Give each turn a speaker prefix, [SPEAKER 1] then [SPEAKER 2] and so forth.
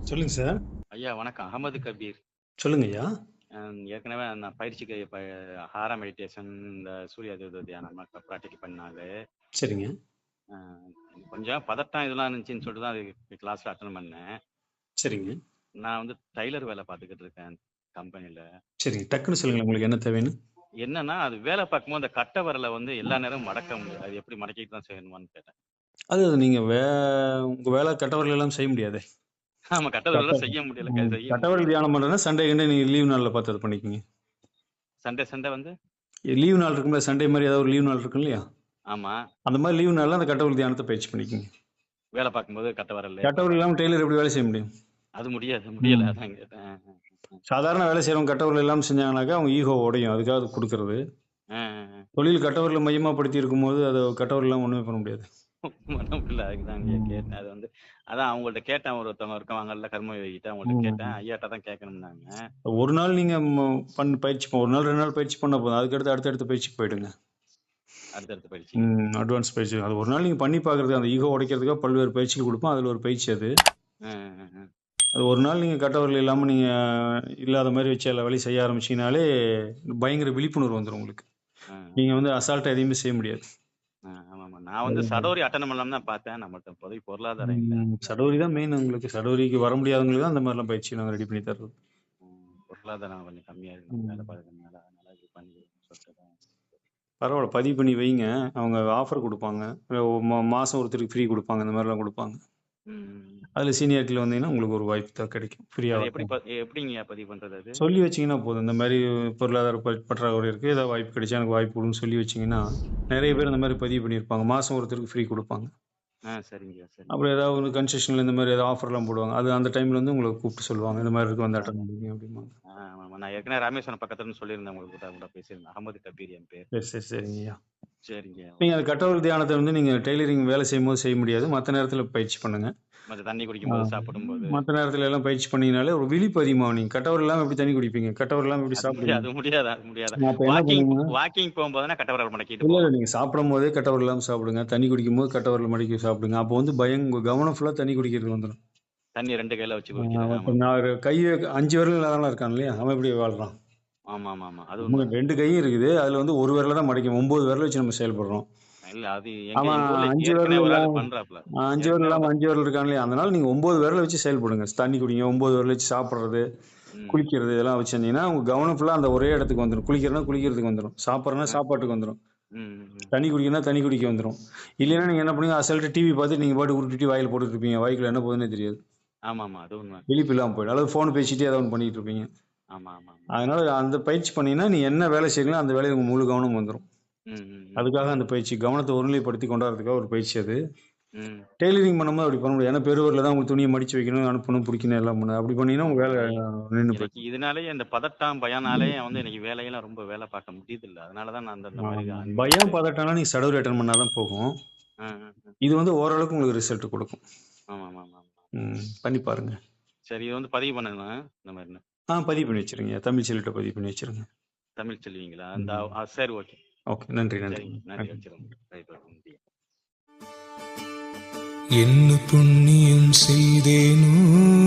[SPEAKER 1] சொல்லுங்க சார்.
[SPEAKER 2] ஐயா வணக்கம். அகமது கபீர்.
[SPEAKER 1] சொல்லுங்க ஐயா.
[SPEAKER 2] ஏற்கனவே நான் பயிற்சிக்கு ஹாரா மெடிடேஷன், இந்த சூரிய தியானம் ப்ராக்டிக் பண்ணாலே
[SPEAKER 1] சரிங்க.
[SPEAKER 2] கொஞ்சம் பதட்டம் இதெல்லாம் இருந்துச்சுன்னு சொல்லிட்டு தான் அது கிளாஸ்ல அட்டன் பண்ணேன்.
[SPEAKER 1] சரிங்க.
[SPEAKER 2] நான் வந்து டைலர் வேலை பார்த்துக்கிட்டு இருக்கேன் கம்பெனியில்.
[SPEAKER 1] சரிங்க. டக்குன்னு சொல்லுங்க உங்களுக்கு என்ன தேவைன்னு.
[SPEAKER 2] என்னன்னா அது வேலை பார்க்கும்போது அந்த கட்டை விரலை வந்து எல்லா நேரமும் மடக்க முடியாது. அது எப்படி மடக்கிட்டு தான் செய்யணுமான்னு கேட்டேன்.
[SPEAKER 1] அது நீங்க உங்க வேலை கட்டவர்கள் எல்லாம் செய்ய முடியாது.
[SPEAKER 2] ஆமா, கட்டை விரலாம் செய்ய முடியல.
[SPEAKER 1] கட்டவர்கள் தியானம் பண்றதுன்னா சண்டே கண்டே நீங்க லீவ் நாள்ல பார்த்து அதை பண்ணிக்கோங்க.
[SPEAKER 2] சண்டே வந்து
[SPEAKER 1] லீவ் நாள் இருக்கும்ல, சண்டே மாதிரி ஏதாவது ஒரு லீவ் நாள் இருக்கும் இல்லையா?
[SPEAKER 2] ஆமா,
[SPEAKER 1] அந்த மாதிரி லீவ் நாள்ல அந்த கட்டவர்கள் தியானத்தை பயிற்சி பண்ணிக்கோங்க.
[SPEAKER 2] வேலை பார்க்கும்போது கட்டை விரல்.
[SPEAKER 1] கட்டவர்கள் இல்லாமல் டெய்லர் எப்படி வேலை செய்ய முடியும்?
[SPEAKER 2] அது முடியல. அதான் கேட்டேன்.
[SPEAKER 1] சாதாரண வேலை செய்யறவங்க கட்டவர்கள் எல்லாம் செஞ்சாங்கனாக்கா அவங்க ஈகோ உடையும். அதுக்காக அது கொடுக்கறது. தொழில் கட்டவர்களை மையமாப்படுத்தி இருக்கும்போது அதை கட்டவர்கள் எல்லாம் ஒண்ணுமே பண்ண முடியாது.
[SPEAKER 2] அதுக்குதான் கேட்டேன். அது வந்து அதான் அவங்கள்ட்ட கேட்டேன். ஒருத்தவங்க இருக்கவங்கல்ல கர்ம யோகிட்ட அவங்கள்ட்ட கேட்டேன். ஐயாட்ட தான் கேட்கணும்னாங்க.
[SPEAKER 1] ஒரு நாள் நீங்க பயிற்சி ஒரு நாள் 2 நாள் பயிற்சி பண்ண போதும். அதுக்கடுத்து அடுத்தடுத்த பயிற்சிக்கு போயிடுங்க.
[SPEAKER 2] அடுத்தடுத்த பயிற்சி,
[SPEAKER 1] அட்வான்ஸ் பயிற்சி. அது ஒரு நாள் நீங்க பண்ணி பாக்குறது, அந்த ஈகோ உடைக்கிறதுக்காக பல்வேறு பயிற்சிகள் கொடுப்போம். அதுல ஒரு பயிற்சி அது. அது ஒரு நாள் நீங்க கட்டவர்கள் இல்லாம நீங்க இல்லாத மாதிரி வச்சு எல்லா வேலையும் செய்ய ஆரம்பிச்சீங்கனாலே பயங்கர விழிப்புணர்வு வந்துடும் உங்களுக்கு. நீங்க வந்து அசால்ட்டா எதையுமே செய்ய முடியாது.
[SPEAKER 2] நான் வந்து சடோரி அட்டெண்ட் பண்ணலாம் தான் பார்த்தேன். நம்மள்ட்ட இப்போதைக்கு பொருளாதாரம் இல்லை.
[SPEAKER 1] சடோரி தான் மெயின். உங்களுக்கு சடோரிக்கு வர முடியாதவங்களுக்கு தான் அந்த மாதிரிலாம் பயிற்சி நாங்கள் ரெடி பண்ணி தர்றது.
[SPEAKER 2] பொருளாதாரம் கொஞ்சம் கம்மியா இருக்கு, வேலை பார்க்கறதுனால. அதனால இது பண்ணி சொல்லிட்டு
[SPEAKER 1] பரவாயில்ல, பதிவு பண்ணி வைங்க. அவங்க ஆஃபர் கொடுப்பாங்க, மாசம் ஒருத்தருக்கு ஃப்ரீ கொடுப்பாங்க, இந்த மாதிரிலாம் கொடுப்பாங்க. அதுல சீனியாரிட்டியில் வந்தீங்கன்னா உங்களுக்கு ஒரு வாய்ப்பு தான் கிடைக்கும் ஃப்ரீயா.
[SPEAKER 2] எப்படிங்க பதிவு பண்றது?
[SPEAKER 1] சொல்லி வச்சீங்கன்னா போதும். இந்த மாதிரி பொருளாதார பற்றாக்குறை இருக்கு, ஏதாவது வாய்ப்பு கிடைச்சா எனக்கு வாய்ப்பு கொடுன்னு சொல்லி வச்சீங்கன்னா நிறைய பேர் இந்த மாதிரி பதிவு பண்ணியிருப்பாங்க. மாசம் ஒருத்தருக்கு ஃப்ரீ கொடுப்பாங்க.
[SPEAKER 2] சரிங்க.
[SPEAKER 1] அப்புறம் ஏதாவது ஒரு கன்செஷன்ல இந்த மாதிரி ஏதாவது ஆஃபர்லாம் போடுவாங்க. அது அந்த டைம்ல வந்து உங்களுக்கு கூப்பிட்டு சொல்லுவாங்க, இந்த மாதிரி இருக்கு வந்து அட்டன் பண்ணுங்க அப்படிம்பாங்க.
[SPEAKER 2] நான் ஏற்கனவே ராமேஸ்வரம் பக்கத்துல சொல்லியிருந்தேன், உங்களுக்கு கூட பேசியிருந்தேன். அகமது கபீர் என் பேர்.
[SPEAKER 1] சரிங்கய்யா.
[SPEAKER 2] சரிங்க.
[SPEAKER 1] நீங்க அந்த கட்டவர்கள் தியானத்தை வந்து நீங்க டெய்லரிங் வேலை செய்யும் போது செய்ய முடியாது. மற்ற நேரத்துல பயிற்சி பண்ணுங்க.
[SPEAKER 2] தண்ணி குடிக்கும்போது, சாப்பிடும்போது,
[SPEAKER 1] மற்ற நேரத்துல எல்லாம் பயிற்சி பண்ணீங்கனாலே ஒரு விழிப்பு அதிகமாகும். நீங்க கட்டவர் இல்லாம எப்படி தண்ணி குடிப்பீங்க? கட்டவர் இல்லாம எப்படி சாப்பிடுவீங்க?
[SPEAKER 2] அது முடியாது. வாக்கிங் போகும்போது கட்டவரல் மடக்கிட்டு
[SPEAKER 1] இல்ல, நீங்க சாப்பிடும் போதே கட்டவர் இல்லாம சாப்பிடுங்க. தண்ணி குடிக்கும் போது கட்டவரல் மடக்கி சாப்பிடுங்க. அப்போ வந்து கவனம் ஃபுல்லா தண்ணி குடிக்கிறது வந்துடும்.
[SPEAKER 2] தண்ணி 2 கையில வச்சு குடிக்கிறேன்.
[SPEAKER 1] நான் கையை 5 விரல் இல்லாதவங்க இருக்கான் இல்லையா, அவன் எப்படி வாழ்றான்?
[SPEAKER 2] ஆமா. அது
[SPEAKER 1] 2 கையும் இருக்குது, அதுல வந்து ஒரு விரல தான் மடக்கும். 9 விரல் வச்சு நம்ம செயல்படுறோம்.
[SPEAKER 2] இல்ல, அது
[SPEAKER 1] அவன் 5 விரல் இல்லாம 5 விரல் இருக்கான் இல்லையா, அதனால நீங்க 9 விரல வச்சு செயல்படுங்க. தண்ணி குடிங்க, 9 விரல் வச்சு சாப்பிடுறது, குளிக்கிறது, இதெல்லாம் வச்சிருந்தீங்கன்னா உங்க கவனம் ஃபுல்லா அந்த ஒரே இடத்துக்கு வந்துடும். குளிக்கிறதுனா குளிக்கிறதுக்கு வந்துடும், சாப்பிட்றதுனா சாப்பாட்டுக்கு வந்துடும், தண்ணி குடிக்கணும்னா தண்ணி குடிக்க வந்துடும். இல்லைன்னா நீங்க என்ன பண்ணுங்க, அசல்ட்டு டிவி பார்த்து நீங்க பாட்டு உருட்டி வாயில் போட்டுட்டு இருப்பீங்க. வாய்க்குள்ள என்ன போகுதுன்னே தெரியாது.
[SPEAKER 2] ஆமா, அது உண்மை.
[SPEAKER 1] விழிப்பு இல்லாம போயிடும். அல்லது போன் பேசிட்டே ஏதாவது ஒன்று பண்ணிட்டு இருப்பீங்க. அதனால அந்த பயிற்சி பண்ணீங்கன்னா நீ என்ன வேலை செய்யலாம் அந்த வேலையை உங்க முழு கவனம் வந்துடும். அதுக்காக அந்த பயிற்சி கவனத்தை ஒருநிலைப்படுத்தி கொண்டாடுறதுக்காக ஒரு பயிற்சி அது. டெய்லரிங் பண்ணும்போது அப்படி பண்ண முடியாது. ஏன்னா பெருவரில் தான் உங்களுக்கு துணியை மடிச்சு வைக்கணும், அனுப்பணும், பிடிக்கணும், எல்லாம் பண்ணணும். அப்படி பண்ணீங்கன்னா உங்க வேலை நின்று போயிடும்.
[SPEAKER 2] இதனாலேயே இந்த பதட்டம் பயனாலே வந்து எனக்கு வேலையெல்லாம் ரொம்ப வேலை பார்க்க முடியுது இல்லை. அதனாலதான் நான் அந்த மாதிரி
[SPEAKER 1] பயம் பதட்டம்னா நீங்க சடோரி அட்டன் பண்ணாதான் போகும். இது வந்து ஓரளவுக்கு உங்களுக்கு ரிசல்ட் கொடுக்கும். பண்ணி பாருங்க.
[SPEAKER 2] சரி, இது வந்து பதிவு பண்ணணும் இந்த மாதிரி.
[SPEAKER 1] பதிவு பண்ணி வச்சிருங்க. தமிழ் செல்லிட்ட பதிவு பண்ணி வச்சிருங்க.
[SPEAKER 2] தமிழ் செல்வீங்களா? சரி, ஓகே.
[SPEAKER 1] நன்றி.
[SPEAKER 3] என்ன புண்ணியம் செய்தேனோ